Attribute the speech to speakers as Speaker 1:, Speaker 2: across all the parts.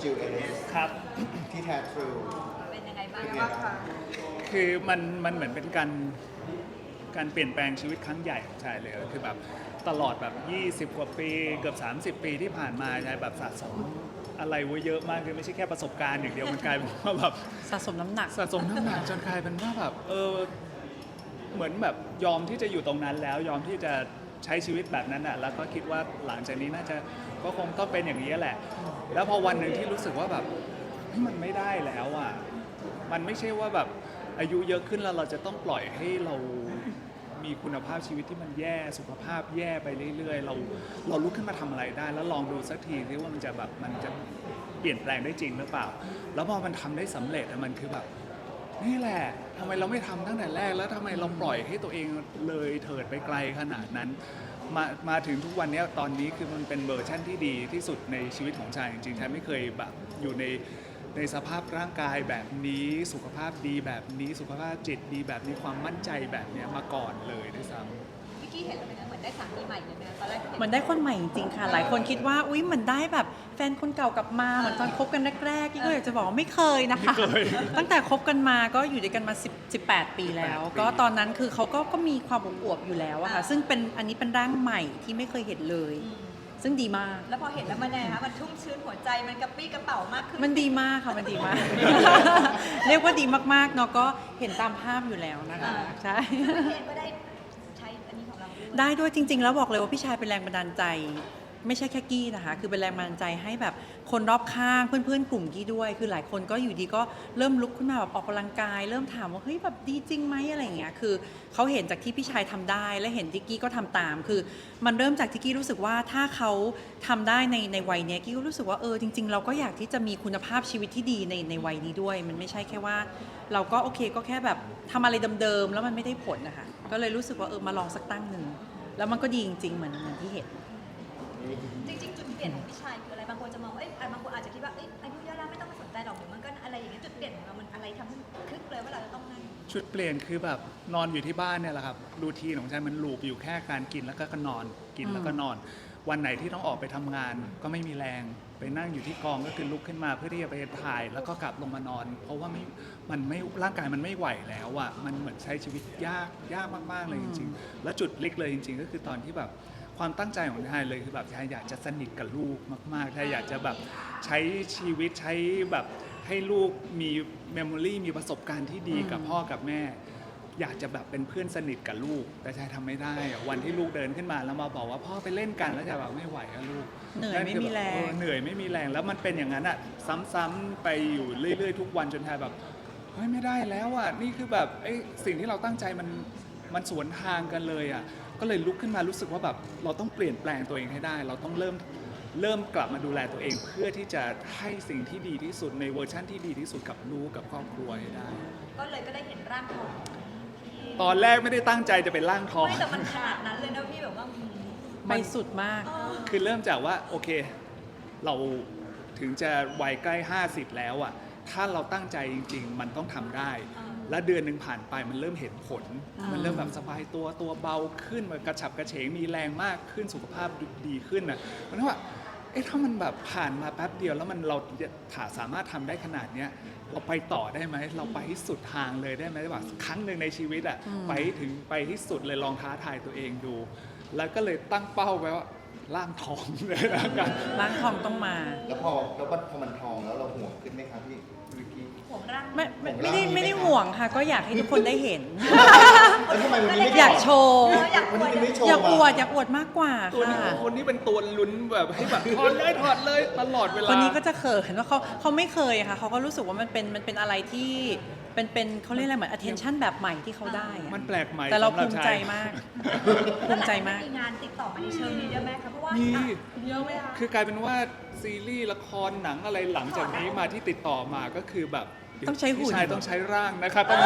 Speaker 1: QS
Speaker 2: ครับ
Speaker 1: ที่แท้ทรู
Speaker 3: เป็นยังไงบ้าง
Speaker 1: เป็นไง
Speaker 3: บ้าง
Speaker 1: บ้าง
Speaker 3: คะ
Speaker 2: คือมันเหมือนเป็นการเปลี่ยนแปลงชีวิตครั้งใหญ่ของชายเลยคือแบบตลอดแบบ20 กว่าปีเกือบ30 ปีที่ผ่านมาชายแบบสะสมอะไรไว้เยอะมากคือไม่ใช่แค่ประสบการณ์อย่างเดียวมันกลายเป็นว่าแบบ
Speaker 4: สะสมน้ำหนัก
Speaker 2: สะสมน้ำหนักจนกลายเป็นว่าแบบเหมือนแบบยอมที่จะอยู่ตรงนั้นแล้วยอมที่จะใช้ชีวิตแบบนั้นอ่ะแล้วก็คิดว่าหลังจากนี้น่าจะก็คงต้องเป็นอย่างนี้แหละ แล้วพอวันหนึ่งที่รู้สึกว่าแบบมันไม่ได้แล้วอ่ะมันไม่ใช่ว่าแบบอายุเยอะขึ้นแล้วเราจะต้องปล่อยให้เรามีคุณภาพชีวิตที่มันแย่สุขภาพแย่ไปเรื่อยๆเราลุกขึ้นมาทำอะไรได้ แล้วลองดูสักทีซิว่ามันจะเปลี่ยนแปลงได้จริงหรือเปล่า แล้วพอมันทำได้สำเร็จมันคือแบบนี่แหละทำไมเราไม่ทำตั้งแต่แรกแล้วทำไมเราปล่อยให้ตัวเองเลยเถิดไปไกลขนาดนั้นมาถึงทุกวันนี้ตอนนี้คือมันเป็นเวอร์ชั่นที่ดีที่สุดในชีวิตของชายจริงๆชายไม่เคยแบบอยู่ในสภาพร่างกายแบบนี้สุขภาพดีแบบนี้สุขภาพจิตดีแบบนี้ความมั่นใจแบบนี้มาก่อนเลยด้วยซ้ำ
Speaker 3: พี่กี้เห็นแล้วเป็นไงเหมือนได้สามีใหม่เลยนะตอนแรกที่เห็น
Speaker 4: เหมือนได้คนใหม่จริงๆค่ะ หลายคนคิดว่าอุ๊ยเหมือนได้แบบแฟนคนเก่ากลับมาเหมือนตอนคบกันแรกๆกี้ก็อยากจะบอกว่าไม่เคยนะคะ
Speaker 2: ไม่เคย
Speaker 4: ตั้งแต่คบกันมาก็อยู่ด้วยกันมา18 ปีแล้ว ก็ตอนนั้นคือเขาก็มีความอวบๆอยู่แล้วอะค่ะซึ่งอันนี้เป็นร่างใหม่ที่ไม่เคยเห็นเลย ซึ่งดีมาก
Speaker 3: แล้วพอเห็นแล้วมันยังไงคะมันชุ่มชื้นหัวใจมันกระปรี้กระเป๋ามากขึ้น
Speaker 4: มันดีมากค่ะมันดีมาก เรียกว่าดีมากๆเนาะก็เห็นตามภาพอยู่แล้วนะคะใช่
Speaker 3: พี่เองก็ได้ใช้อันนี้ของเราด้วย
Speaker 4: ได้ด้วยจริงๆ แล้วบอกเลยว่าพี่ชายเป็นแรงบันดาลใจ ไม่ใช่แค่กี้นะคะ คือเป็นแรงบันดาลใจให้แบบคนรอบข้างเพื่อนๆกลุ่มกี้ด้วย คือหลายคนก็อยู่ดีก็เริ่มลุกขึ้นมาแบบออกกำลังกาย เริ่มถามว่าเฮ้ยแบบดีจริงไหมอะไรอย่างเงี้ยคือเขาเห็นจากที่พี่ชายทำได้ และเห็นที่กี้ก็ทำตาม คือมันเริ่มจากที่กี้รู้สึกว่าถ้าเขาทำได้ในวัยเนี้ยกี้ก็รู้สึกว่าจริงๆ เราก็อยากที่จะมีคุณภาพชีวิตที่ดีในวัยนี้ด้วย มันไม่ใช่แค่ว่า เราก็โอเคก็แค่แบบทำอะไรเดิมๆแล้วมันไม่ได้ผลนะคะก็เลยรู้สึกว่ามาลองสักตั้งหนึ่งแล้วมันก็ดีจริงๆเหมือนที่เห็น
Speaker 3: จริงๆจุดเปลี่ยนของพี่ชายคืออะไรบางคนจะมองว่าบางคนอาจจะคิดว่าอายุเยอะแล้วไม่ต้องมาสนใจหรอกหรือมันก็อะไรอย่างเงี้ยจุดเปลี่ยนของเรามันอะไรทำให้คลิกเลยว่าเราจะต้องนั่น
Speaker 2: ชุดเปลี่ยนคือแบบนอนอยู่ที่บ้านเนี่ยแหละครับรูทีนของฉันมันลูปอยู่แค่การกินแล้วก็นอนกินแล้วก็นอน วันไหนที่ต้องออกไปทำงานก็ไม่มีแรงไปนั่งอยู่ที่กองก็คือลุกขึ้นมาเพื่อที่จะไปถ่ายแล้วก็กลับลงมานอน เพราะว่ามันไม่ร่างกายมันไม่ไหวแล้วอ่ะมันเหมือนใช้ชีวิตยากมากๆเลยจริงๆและจุดลิกเลยจริงๆ ก็คือตอนที่แบบความตั้งใจของชายเลยคือแบบชายอยากจะสนิทกับลูกมากๆชายอยากจะแบบใช้ชีวิตใช้แบบให้ลูกมีเมมโมรีมีประสบการณ์ที่ดีกับพ่อกับแม่ อยากจะแบบเป็นเพื่อนสนิทกับลูกแต่ชายทำไม่ได้อะวันที่ลูกเดินขึ้นมาแล้วมาบอกว่าพ่อไปเล่นกันแล้วชายแบบไม่ไหวอะลูก
Speaker 4: เหนื่อยไม่มีแรง
Speaker 2: เหนื่อยไม่มีแรงแล้วมันเป็นอย่างนั้นอะซ้ำๆไปอยู่เรื่อยๆทุกวันจนชายแบบเฮ้ยไม่ได้แล้วอะนี่คือแบบสิ่งที่เราตั้งใจมันสวนทางกันเลยอะก็เลยลุกขึ้นมารู้สึกว่าแบบเราต้องเปลี่ยนแปลงตัวเองให้ได้ เราต้องเริ่มกลับมาดูแลตัวเอง เพื่อที่จะให้สิ่งที่ดีที่สุดในเวอร์ชั่นที่ดีที่สุดกับลูกกับครอบครัวให้ได้
Speaker 3: ก็เลยก็ได้เห็นร่างทองที่
Speaker 2: ตอนแรกไม่ได้ตั้งใจจะเป็นร่างทอง
Speaker 3: ไม่แต่มันขนาดนั้นเลยนะพี่แบบว่า
Speaker 4: ไปสุดมาก
Speaker 2: คือเริ่มจากว่าโอเคเราถึงจะวัยใกล้50แล้วอ่ะถ้าเราตั้งใจจริงๆ มันต้องทำได้ และเดือนหนึ่งผ่านไปมันเริ่มเห็นผล มันเริ่มแบบสบายตัวเบาขึ้นมันกระฉับกระเฉงมีแรงมากขึ้นสุขภาพดีขึ้นนะมันว่าถ้ามันแบบผ่านมาแป๊บเดียวแล้วเราสามารถทำได้ขนาดเนี้ยเราไปต่อได้ไหมเราไปที่สุดทางเลยได้ไหมว่าครั้งหนึ่งในชีวิตอ่ะไปที่สุดเลยลองท้าทายตัวเองดู แล้วก็เลยตั้งเป้าไว้ว่าร่างทองเลยนะกัน
Speaker 4: ร้านทองต้องมา
Speaker 1: แล้วพอมันทองแล้วเราห่วงขึ้นไหมครับพี่วิกกี้
Speaker 3: ห่วงร่าง
Speaker 4: ไม่ได้ห่วงค่ะ ก็อยากให้ทุกคนได้เห็น
Speaker 1: แล้วทำไมวันนี้ไม่
Speaker 4: อยากโชว์
Speaker 3: อยากอ
Speaker 1: วัน
Speaker 3: ว
Speaker 1: นี้
Speaker 3: ด
Speaker 1: ไม่โชว์
Speaker 4: อยากอวด
Speaker 1: มา
Speaker 4: อยากอวดมากกว่า
Speaker 2: ตัวนี้
Speaker 4: ค่ะ
Speaker 2: คนนี้เป็นตัวลุ้นแบบให้แบบถอดเลยตลอดเวลา
Speaker 4: คนนี้ก็จะเขินว่าเขาไม่เคยค่ะเขาก็รู้สึกว่ามันเป็นอะไรที่เป็นเขาเรียกอะไรเหมือน attention แบบใหม่ที่เขาได้อะ
Speaker 2: มันแปลกใหม่
Speaker 4: แต่เรา
Speaker 2: สำหบ
Speaker 4: ภูมิใจ
Speaker 2: ชย
Speaker 4: มาก ภูมิใจมาก
Speaker 3: มีงานติดต่อมาในเชิงนี้เยอะไหมคะเพราะว่า
Speaker 2: มี
Speaker 3: เยอะไหมคะ
Speaker 2: คือกลายเป็นว่าซีรีส์ละครหนังอะไรหลังจากนี้มาที่ติดต่อมาก็คือแบบ
Speaker 4: ต้องใช้หุ่น
Speaker 2: พี่ชายต้องใช้ร่างนะครับต้อง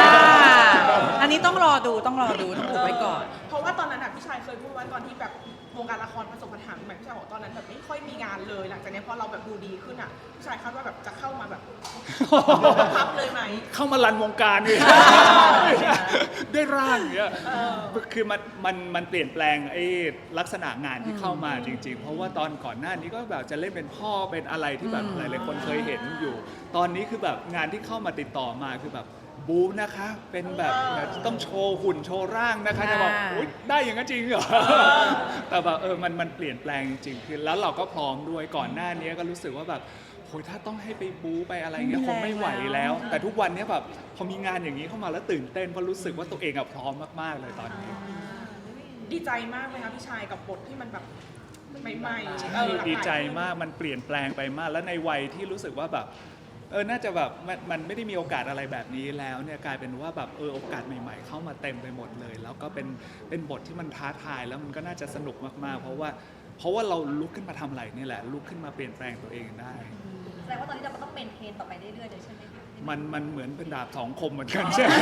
Speaker 4: อันนี้ต้องรอดูต้องอุบไว้ก่อน
Speaker 5: เพราะว่าตอนนั้นพี่ชายเคยพูดไว้ตอนที่แบบวงการละครประสบปัญหาแบบพี่ชายบอกตอนนั้นแบบไม่ค่อยมีงานเลย หลังจากนี้พอเราแบบดูดีขึ้นอ่ะพี่ชายคาดว่าแบบจะเข้ามาแบบพับเลยไหม
Speaker 2: เข้ามารันวงการเลย ได้ร่างเนี่ยคือมันเปลี่ยนแปลงไอ้ลักษณะงานที่เข้ามาจริงๆ เพราะว่าตอนก่อนหน้านี้ก็แบบจะเล่นเป็นพ่อเป็นอะไรที่แบบหลายๆคนเคยเห็นอยู่ ตอนนี้คือแบบงานที่เข้ามาติดต่อมาคือแบบบู๊นะคะ เป็นแบบต้องโชว์หุ่นโชว์ร่างนะคะจะบอกอุ๊ยได้อย่างนั้นจริงเหรอ แต่แบบมันเปลี่ยนแปลงจริงๆคือแล้วเราก็พร้อมด้วยก่อนหน้านี้ก็รู้สึกว่าแบบโหยถ้าต้องให้ไปบู๊ไปอะไรเงี้ยคงไม่ไหวแล้ว แต่ทุกวันนี้แบบพอมีงานอย่างนี้เข้ามาแล้วตื่นเต้นเพราะรู้สึกว่าตัวเองพร้อมมากๆเลยตอนนี้
Speaker 5: ดีใจมากไหมคะพี่ชายกับบทที่มันแบบใหม่ๆหลากหลาย
Speaker 2: ดีใจมากมันเปลี่ยนแปลงไปมาก แล้วในวัยที่รู้สึกว่าแบบน่าจะแบบมันไม่ได้มีโอกาสอะไรแบบนี้แล้วเนี่ยกลายเป็นว่าแบบโอกาสใหม่ ๆ เข้ามาเต็มไปหมดเลย แล้วก็เป็นบทที่มันท้าทายแล้วมันก็น่าจะสนุกมากๆ เพราะว่าเราลุกขึ้นมาทำอะไรนี่แหละลุกขึ้นมาเปลี่ยนแปลงตัวเองได้
Speaker 3: แสดงว่าตอนนี้เราก็ต้องเมนเทนต่อไปเรื่อยๆเลยใช่ไหมคะ
Speaker 2: มันเหมือนเป็นดาบสองคมเหมือนกันใช่ไหม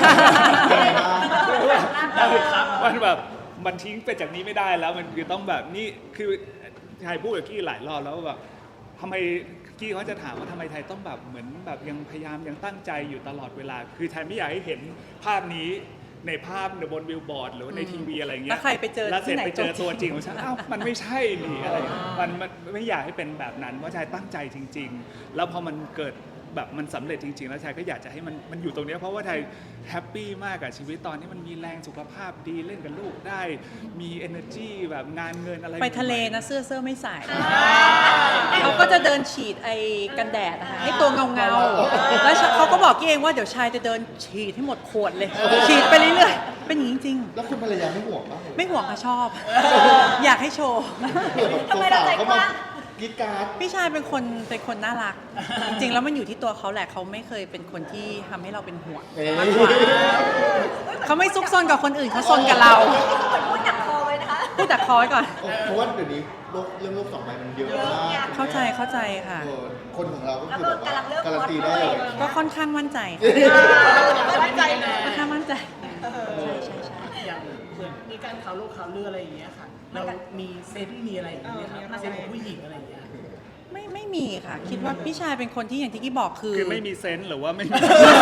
Speaker 2: มันแบบมันทิ้งไปจากนี้ไม่ได้แล้วมันคือต้องแบบนี่คือไทยพูดกับกี้หลายรอบแล้วว่าแบบทำไมกี้เขาจะถามว่าทำไมไทยต้องแบบเหมือนแบบยังพยายามยังตั้งใจอยู่ตลอดเวลา คือไทยไม่อยากให้เห็นภาพนี้ในภาพบนบิลบอร์ดหรือว่าในทีวีอะไรเงี้ย
Speaker 4: แล้วใครไปเจอ
Speaker 2: แล้วเสร็จ
Speaker 4: ที่ไหน
Speaker 2: ไปเจอตัวจริงของฉันอ้าวมันไม่ใช่นี่อะไรมันไม่อยากให้เป็นแบบนั้นเพราะชายตั้งใจจริง ๆ แล้วพอมันเกิดแบบมันสำเร็จจริงๆแล้วชายก็อยากจะให้มันอยู่ตรงนี้เพราะว่าไทยแฮปปี้มากกับชีวิตตอนนี้มันมีแรงสุขภาพดีเล่นกับลูกได้มี energy แบบงานเงินอะไร
Speaker 4: ไปทะเลนะเสื้อไม่ใส่เขาก็จะเดินฉีดไอ้กันแดดนะคะให้ตัวเงาๆแล้วเขาก็บอกกี้เองว่าเดี๋ยวชายจะเดินฉีดให้หมดขวดเลย ฉีดไปเรื่อยๆเป็นอย่างนี้จริง
Speaker 1: แล้วคุณภรรยาไม่ห่วงบ้างเหรอ
Speaker 4: ๆไม่ห่วงค่ะชอบ อยากให้โชว์
Speaker 1: เผื่อแบบ
Speaker 3: ทำไมเราใจ
Speaker 1: สาวๆเขา
Speaker 3: ก
Speaker 1: มา
Speaker 3: ว้าง
Speaker 1: กรีดกราร์ด
Speaker 4: พี่ชายเป็นคนน่ารัก จริงๆแล้วมันอยู่ที่ตัวเขาแหละเขาไม่เคยเป็นคนที่ทำให้เราเป็นห่วง
Speaker 1: เอ๊ะ
Speaker 4: มากกว่าเขาไม่ซุกซนกับคนอื่นเขาซนกับเรา
Speaker 3: เหมือนพูดหนักคอเลยนะคะ
Speaker 4: พูดแต่คอไว้ก่อน
Speaker 1: เพราะว่าเดี๋ยวนี้เรื่องโลกสองใบมันเยอะมาก
Speaker 4: เข้าใจค่ะ
Speaker 1: คนของเราก็คือแบบว่าการันตีได้เลย
Speaker 4: ก็ค่อนข้างมั่นใจ
Speaker 5: มั่นใจเลย
Speaker 4: ค่อนข้างมั่นใจ
Speaker 6: อย่างเหมือนมีการข่าวโลกข่าวเรืออะไรอย่างเงี้ยค่ะ เรามีเซนส์มีอะไรอย่างเงี้ยครับเซนส์ของผู้หญิงอะไรอย่างเงี้ย
Speaker 4: ไม่มีค่ะ คิดว่าพี่ชายเป็นคนที่อย่างที่กี้บอกคือ
Speaker 2: คือไม่มีเซนส์หรือว่าไม่มี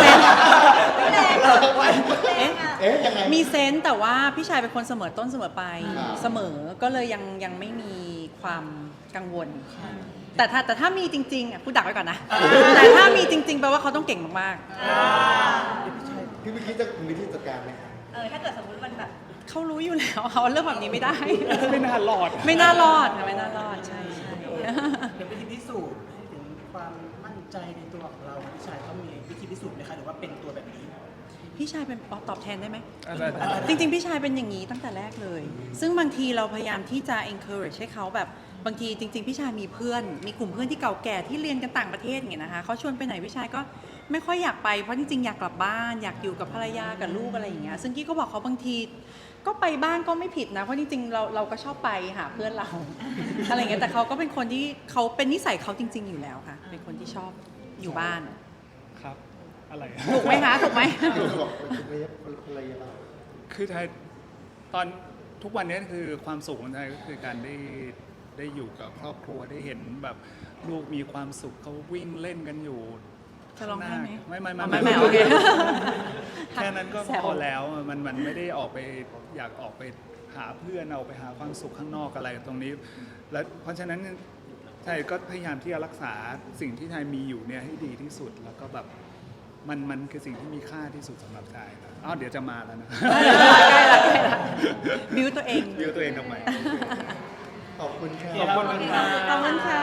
Speaker 4: เอ๊ะ
Speaker 1: เอ๊ะยังไง
Speaker 4: มีเซนส์แต่ว่าพี่ชายเป็นคนเสมอต้นเสมอไป
Speaker 1: ครับ
Speaker 4: เสมอก็เลยยังไม่มีความกังวล แต่ถ้ามีจริงๆอ่ะพูดดักไว้ก่อนนะ แต่ถ้ามีจริงๆแปลว่าเขาต้องเก่งมาก
Speaker 1: พี่วิคิดจะมีวิธีจัดการไหมคะ
Speaker 3: ถ้าเกิดสมมติมันแบบ
Speaker 4: ๆเขารู้อยู่แล้วเขาเรื่องแบบนี้ไม่ได้
Speaker 2: ไม่น่ารอด
Speaker 4: ไม่น่ารอดค่ะไม่น่ารอดใช่
Speaker 6: เดี๋ยววิธีพิสูจน์ให้ถึงความมั่นใจในตัวของเราพี่ชายต้องมีวิธีพิสูจน์ไหมคะหรือว่าเป็นตัวแบบนี้
Speaker 4: พี่ชายเป็นตอบแทนได้ไหม
Speaker 2: อะไร
Speaker 4: จริงๆ พี่ชายเป็นอย่างนี้ตั้งแต่แรกเลย ซึ่งบางทีเราพยายามที่จะ encourage ให้เขาแบบบางทีจริง ๆ พี่ชายมีเพื่อน มีกลุ่มเพื่อนที่เก่าแก่ที่เรียนกันต่างประเทศอย่างเงี้ยนะคะเขาชวนไปไหนพี่ชายก็ไม่ค่อยอยากไปเพราะจริงๆ อยากกลับบ้านอยากอยู่กับภรรยากับลูกอะไรอย่างเงี้ย ซึ่งกี้ก็บอกเขาบางทีก็ไปบ้างก็ไม่ผิดนะ เพราะจริงๆ เราก็ชอบไปหาเพื่อนเรา อะไรอย่างเงี้ย แต่เขาก็เป็นคนที่เขาเป็นนิสัยเขาจริง ๆ อยู่แล้วค่ะ เป็นคนที่ชอบอยู่บ้าน
Speaker 2: ครับอะไร
Speaker 4: ถูกไหมคะ ถูกไหม
Speaker 1: บอกภรรยาเรา
Speaker 2: คือไทยตอนทุกวันนี้คือความสุขของไทยก็คือการได้อยู่กับครอบครัวได้เห็นแบบลูกมีความสุขเขาวิ่งเล่นกันอยู่
Speaker 4: จะร้องไห้ไหม
Speaker 2: ไม่
Speaker 4: ไม่โอเค
Speaker 2: แค่นั้นก็
Speaker 4: แซว
Speaker 2: พอแล้วมันไม่ได้ออกไปอยากออกไปหาเพื่อนเอาไปหาความสุขข้างนอกอะไรตรงนี้ แล้วเพราะฉะนั้นไทยก็พยายามที่จะรักษาสิ่งที่ไทยมีอยู่เนี่ยให้ดีที่สุดแล้วก็แบบมันคือสิ่งที่มีค่าที่สุดสำหรับไทยนะเดี๋ยวจะมาแล้วนะ
Speaker 4: ใกล้ละบิวตัวเอง
Speaker 2: บิวตัวเองทำไม
Speaker 1: ขอบคุณค่ะ
Speaker 2: ขอบคุณ
Speaker 4: ขอบคุณค่ะ